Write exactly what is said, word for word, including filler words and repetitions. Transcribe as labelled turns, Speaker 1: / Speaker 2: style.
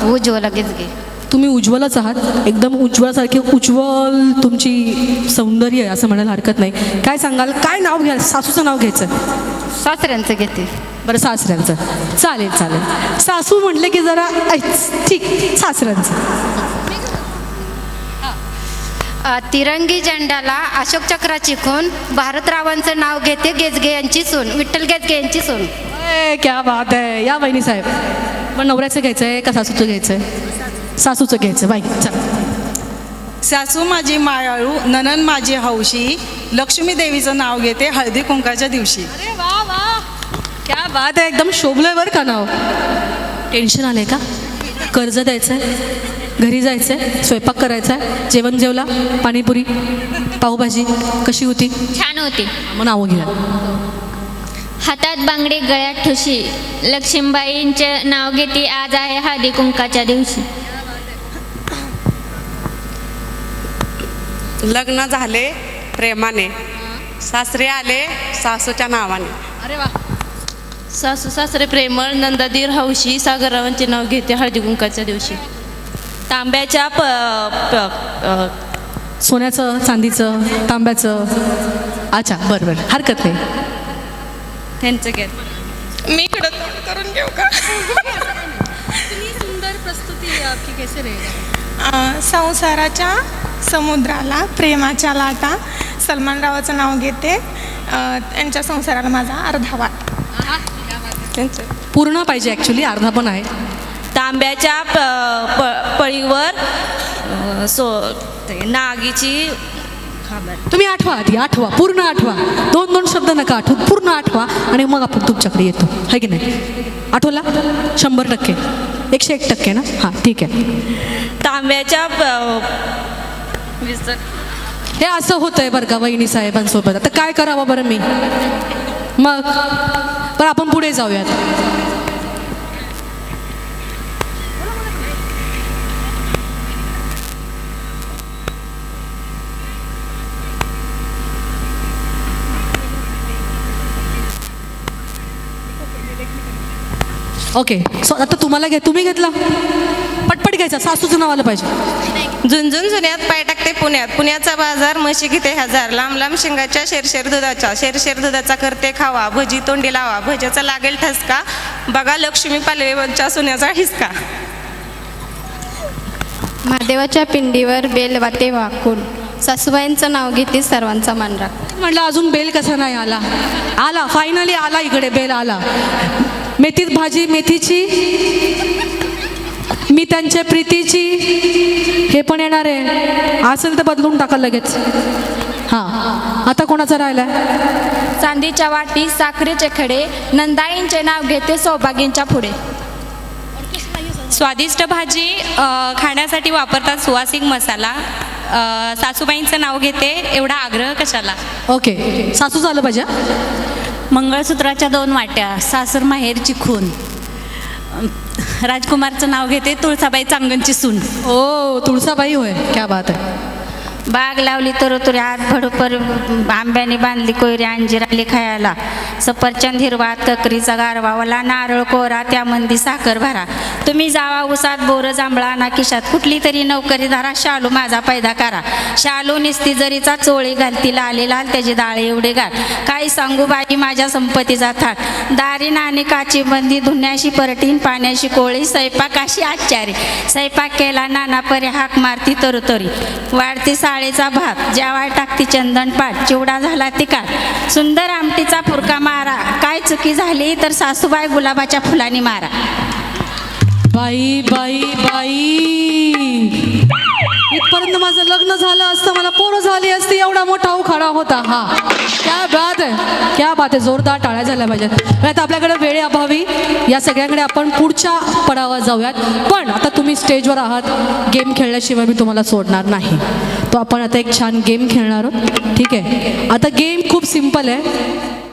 Speaker 1: उज्ज्वला गेजगे.
Speaker 2: तुम्ही उज्ज्वलच आहात, एकदम उज्ज्वलासारखे उज्ज्वल तुमची सौंदर्य आहे असं म्हणायला हरकत नाही. काय सांगाल, काय नाव घ्याल? सासूचं नाव घ्यायचं?
Speaker 1: सासऱ्यांचं घेते.
Speaker 2: बरं, सासऱ्यांचं. चालेल चालेल. सासू म्हटले की जरा ऐच, ठीक, सासऱ्यांचं.
Speaker 1: अ, तिरंगी झेंड्याला अशोक चक्राची खून, भारतरावांचं नाव घेते गेजगे यांची सून, विठ्ठल गेजगे यांची सून.
Speaker 2: ए, क्या बात आहे. या बहिणी साहेब, पण नवऱ्याचं घ्यायचं आहे का सासूचं घ्यायचं आहे? सासूचं घ्यायचं बाई. चल.
Speaker 3: सासू माझी मायाळू, ननन माझी हौशी, लक्ष्मी देवीचं नाव घेते हळदी कुंकाच्या दिवशी.
Speaker 2: अरे वा वा, क्या बात आहे. एकदम शोभलंय बरं का नाव. टेन्शन आलंय का? कर्ज द्यायचंय, घरी जायचंय, स्वयंपाक करायचा, जेवण जेवला, पाणीपुरी पावभाजी कशी होती?
Speaker 4: छान होती.
Speaker 2: मग नावं घ्या.
Speaker 4: हातात बांगडी, गळ्यात ठुशी, लक्ष्मीबाईंचे नाव घेते आज आहे हळदी कुंकाच्या दिवशी.
Speaker 5: लग्न झाले प्रेमाने, सासरे आले सासूच्या नावाने.
Speaker 2: अरे वा.
Speaker 6: सासू सासरे प्रेमळ, नंदादीर हौशी, सागररावांचे नाव घेते हळदी कुंकाच्या दिवशी. तांब्याच्या प प- अ,
Speaker 2: सोन्याचं, चांदीचं, तांब्याचं. अच्छा, बरं बरं, हरकत नाही.
Speaker 6: त्यांचं घेत.
Speaker 7: मी इकडं तोंड करून घेऊ का?
Speaker 2: सुंदर प्रस्तुती आपकी कैसे रहेगा?
Speaker 7: अं, संसाराच्या समुद्राला प्रेमाच्या लाटा, सलमान रावाचं नाव घेते. अं, त्यांच्या संसाराला माझा अर्धा वाट. त्यांचं
Speaker 2: पूर्ण पाहिजे ॲक्च्युली, अर्धा पण आहे.
Speaker 6: तांब्याच्या प प- पळीवर अ, सो ते नागीची खबर.
Speaker 2: तुम्ही आठवा, आधी आठवा, पूर्ण आठवा. दोन दोन शब्द नका आठवू, पूर्ण आठवा आणि मग आपण तुमच्याकडे येतो, है की नाही? आठवला? शंभर टक्के, एकशे एक टक्के ना? हां, ठीक आहे.
Speaker 6: तांब्याच्या प- विसर
Speaker 2: हे असं होतंय बरं का वहिनी साहेबांसोबत. आता काय करावं बरं मी? मग पण आपण पुढे जाऊयात. ओके, सो आता तुम्हाला घे, तुम्ही घेतला, पटपट घ्यायचा. सासूचं नाव आलं पाहिजे.
Speaker 8: झुंझुन जुन्यात पाय टाकते पुण्यात, पुण्याचा बाजार म्हशी घेते हजार, लांब लांब शिंगाच्या शेरशेर दुधाच्या, शेरशेर दुधाचा करते खावा, भजी तोंडी लावा, भज्याचा लागेल ठसका, बघा लक्ष्मी पालवेच्या सोन्याचा हिसका.
Speaker 1: महादेवाच्या पिंडीवर बेल वाटे वाकून, सासूबाईंचं नाव घेते सर्वांचा मान राख.
Speaker 2: म्हटलं अजून बेल कसा नाही आला? आला, फायनली आला, इकडे बेल आला. मेथीत भाजी मेथीची, मी त्यांच्या प्रीतीची, हे पण येणार आहे. असेल तर बदलून टाका लगेच. हां, आता कोणाचा राहिलाय?
Speaker 1: चांदीच्या वाटी, साखरेचे खडे, नंदाईंचे नाव घेते सौभाग्यांच्या पुढे.
Speaker 9: स्वादिष्ट भाजी अ, खाण्यासाठी वापरतात सुवासिक मसाला, अ, सासूबाईंचं नाव घेते एवढा आग्रह कशाला.
Speaker 2: ओके, सासू झालं पाहिजे.
Speaker 9: मंगळसूत्राच्या दोन वाट्या, सासर माहेरची खून, राजकुमारचं नाव घेते तुळसाबाई चांगणची सून.
Speaker 2: ओ, तुळसाबाई होय, क्या बात आहे.
Speaker 1: बाग लावली तर तुरी आत भडूपर, आंब्याने बांधली कोयरी अंजीर आली खायला, सफरचंद हिरवात ककरीचा गारवा, वला नारळ कोरा त्यामंदी साखर भरा, तुम्ही जावा उसात बोर जांभळा ना खिशात, कुठली तरी नोकरी धरा, शालू माझा पैदा करा, शालू निस्ती जरीचा चोळी घालती लाली लाल त्याची डाळे एवढे घाल, काही सांगू बाई माझ्या संपत्तीचा थाट, दारी नाणी काची बंदी, धुण्याशी परटीन पाण्याशी कोळी, स्वयंपाकाशी आचारी, स्वयंपाक केला नाना परे हाक मारती तरुतरी, वाढती साळेचा भात, जेवाय टाकती चंदन पाट, चिवडा झाला तिकाट, सुंदर आमटीचा फुरका मारा, काय चुकी झाली तर सासूबाई गुलाबाच्या फुलांनी मारा.
Speaker 2: बाई बाई बाई, इथपर्यंत माझं लग्न झालं असतं, मला पोरं झाली असती, एवढा मोठा उखाडा होता हा. क्या बात आहे, क्या बात आहे. जोरदार टाळ्या झाल्या पाहिजेत. आता आपल्याकडे वेळेअभावी या सगळ्याकडे आपण पुढच्या पडावात जाऊयात. पण आता तुम्ही स्टेजवर आहात, गेम खेळल्याशिवाय मी तुम्हाला सोडणार नाही. तो आपण आता एक छान गेम खेळणार आहोत, ठीक आहे? आता गेम खूप सिम्पल आहे.